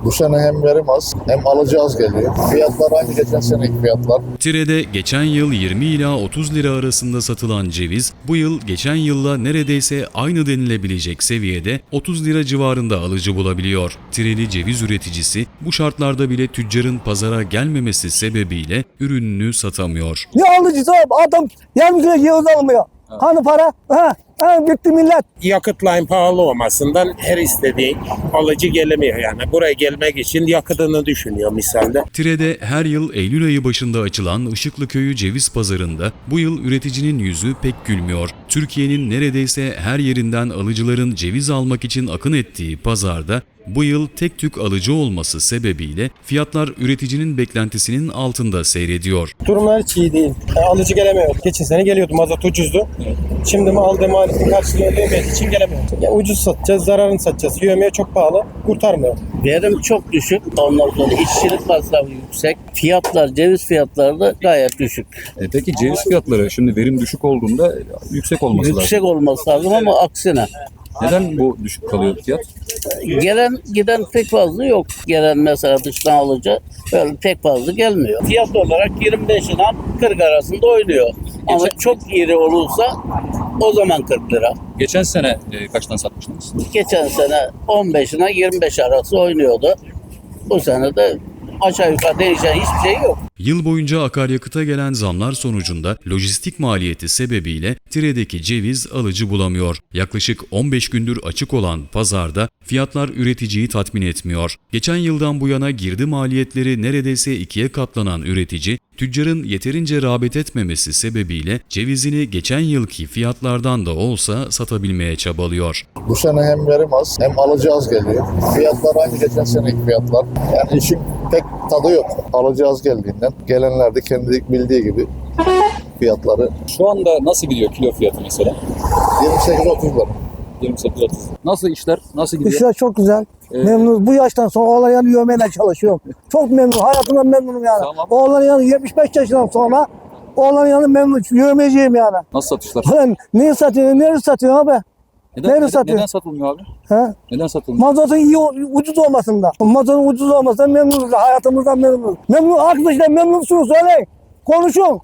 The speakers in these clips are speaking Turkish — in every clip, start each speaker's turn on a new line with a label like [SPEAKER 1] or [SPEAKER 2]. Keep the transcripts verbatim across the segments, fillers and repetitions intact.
[SPEAKER 1] Bu sene hem verim az hem alıcı az geliyor. Fiyatlar aynı geçen seneki fiyatlar.
[SPEAKER 2] Tire'de geçen yıl yirmi ila otuz lira arasında satılan ceviz, bu yıl geçen yılla neredeyse aynı denilebilecek seviyede otuz lira civarında alıcı bulabiliyor. Tireli ceviz üreticisi bu şartlarda bile tüccarın pazara gelmemesi sebebiyle ürününü satamıyor.
[SPEAKER 3] Ne alıcısı adam yarım kilo ceviz almıyor. Ha. Hani para? Ha, ha bitti millet.
[SPEAKER 4] Yakıtların pahalı olmasından her istediği alıcı gelemiyor yani. Buraya gelmek için yakıtını düşünüyor misalde.
[SPEAKER 2] Tire'de her yıl Eylül ayı başında açılan Işıklıköy'ü ceviz pazarında bu yıl üreticinin yüzü pek gülmüyor. Türkiye'nin neredeyse her yerinden alıcıların ceviz almak için akın ettiği pazarda bu yıl tek tük alıcı olması sebebiyle fiyatlar üreticinin beklentisinin altında seyrediyor.
[SPEAKER 5] Durumlar hiç iyi değil. Yani alıcı gelemiyor. Geçen sene geliyordu, mazot ucuzdu. Şimdi mi aldığım maliyetin karşılığını ödeyemediği için gelemiyor. Yani ucuz satacağız, zararını satacağız. Yövmeye çok pahalı, kurtarmıyor.
[SPEAKER 6] Verim çok düşük. Ondan sonra işçilik masrafı yüksek. Fiyatlar, ceviz fiyatları da gayet düşük.
[SPEAKER 7] E peki ceviz fiyatları şimdi verim düşük olduğunda yüksek olması lazım.
[SPEAKER 6] Yüksek olması lazım ama aksine.
[SPEAKER 7] Neden bu düşük kalıyor fiyat?
[SPEAKER 6] Gelen giden pek fazla yok. Gelen mesela dıştan alıcı böyle pek fazla gelmiyor. Fiyat olarak yirmi beş ila kırk arasında oynuyor. Ama
[SPEAKER 7] Geçen-
[SPEAKER 6] çok iri olursa o zaman kırk lira.
[SPEAKER 7] Geçen sene e, kaçtan satmıştınız?
[SPEAKER 6] Geçen sene on beş ila yirmi beş arası oynuyordu. Bu sene de aşağı yukarı değişen hiçbir şey yok.
[SPEAKER 2] Yıl boyunca akaryakıta gelen zamlar sonucunda lojistik maliyeti sebebiyle Tire'deki ceviz alıcı bulamıyor. Yaklaşık on beş gündür açık olan pazarda fiyatlar üreticiyi tatmin etmiyor. Geçen yıldan bu yana girdi maliyetleri neredeyse ikiye katlanan üretici, tüccarın yeterince rağbet etmemesi sebebiyle cevizini geçen yılki fiyatlardan da olsa satabilmeye çabalıyor.
[SPEAKER 1] Bu sene hem verim az hem alıcı az geliyor. Fiyatlar aynı geçen seneki fiyatlar. Yani işin pek tadı yok. Alıcı az geldiğinden gelenler de kendi bildiği gibi fiyatları
[SPEAKER 7] Şu anda nasıl gidiyor kilo fiyatı mesela?
[SPEAKER 1] yirmi sekiz otuz lira.
[SPEAKER 7] yirmi sekiz otuz. Nasıl işler? Nasıl gidiyor?
[SPEAKER 3] İşler çok güzel.
[SPEAKER 7] Ee,
[SPEAKER 3] Memnunuz. Bu yaştan sonra oğlan yanı yövmeyle çalışıyorum. Çok memnunum. Hayatımdan memnunum yani.
[SPEAKER 7] Tamam.
[SPEAKER 3] Oğlan yanı yetmiş beş yaşından sonra oğlan yanı memnun. Yövmeciyim yani.
[SPEAKER 7] Nasıl satışlar?
[SPEAKER 3] Lan neyi satıyorsun? Neresi satıyorsun abi?
[SPEAKER 7] Neden,
[SPEAKER 3] Nerede
[SPEAKER 7] neden,
[SPEAKER 3] satıyor?
[SPEAKER 7] neden satılmıyor abi?
[SPEAKER 3] Ha?
[SPEAKER 7] Neden satılmıyor?
[SPEAKER 3] Mazotun iyi, ucuz olmasında. Mazotun ucuz olmasından memnunuz. Hayatımızdan memnunuz. Memnun arkadaşlar memnunsunuz. Söyleyin. Konuşun.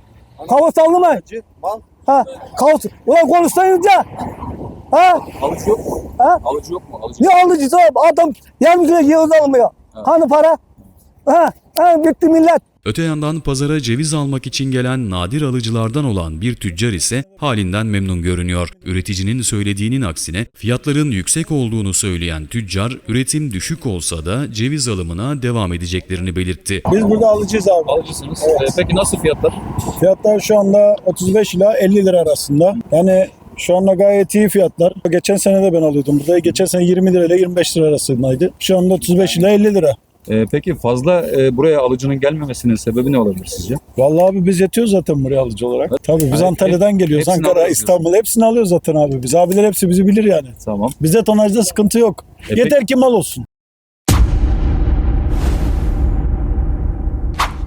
[SPEAKER 3] Kavu sallamayın. Ha, kavu. Ulan konuşsayınca. Ha?
[SPEAKER 7] Alıcı yok mu?
[SPEAKER 3] Ha?
[SPEAKER 7] Alıcı yok mu? Alıcı.
[SPEAKER 3] Ne alıcısı adam yarım kilo ceviz almıyor. Hani para? Ha? Ha, bitti millet.
[SPEAKER 2] Öte yandan pazara ceviz almak için gelen nadir alıcılardan olan bir tüccar ise halinden memnun görünüyor. Üreticinin söylediğinin aksine fiyatların yüksek olduğunu söyleyen tüccar, üretim düşük olsa da ceviz alımına devam edeceklerini belirtti.
[SPEAKER 5] Biz burada alıcıyız abi.
[SPEAKER 7] Alıcısınız. E, peki nasıl fiyatlar?
[SPEAKER 5] Fiyatlar şu anda otuz beş ila elli lira arasında. Yani şu anda gayet iyi fiyatlar. Geçen sene de ben alıyordum burada. Geçen sene yirmi lira ile yirmi beş lira arasındaydı. Şu anda otuz beş ila elli lira.
[SPEAKER 7] E, peki fazla e, buraya alıcının gelmemesinin sebebi ne olabilir sizce?
[SPEAKER 5] Vallahi abi biz yetiyoruz zaten buraya alıcı olarak. Tabii biz
[SPEAKER 7] Evet,
[SPEAKER 5] Antalya'dan geliyoruz.
[SPEAKER 7] hepsini
[SPEAKER 5] Ankara,
[SPEAKER 7] alıyoruz.
[SPEAKER 5] İstanbul hepsini alıyoruz zaten abi. Biz abiler hepsi bizi bilir yani.
[SPEAKER 7] Tamam.
[SPEAKER 5] Bizde tonajda sıkıntı yok.
[SPEAKER 7] E,
[SPEAKER 5] Yeter ki mal olsun.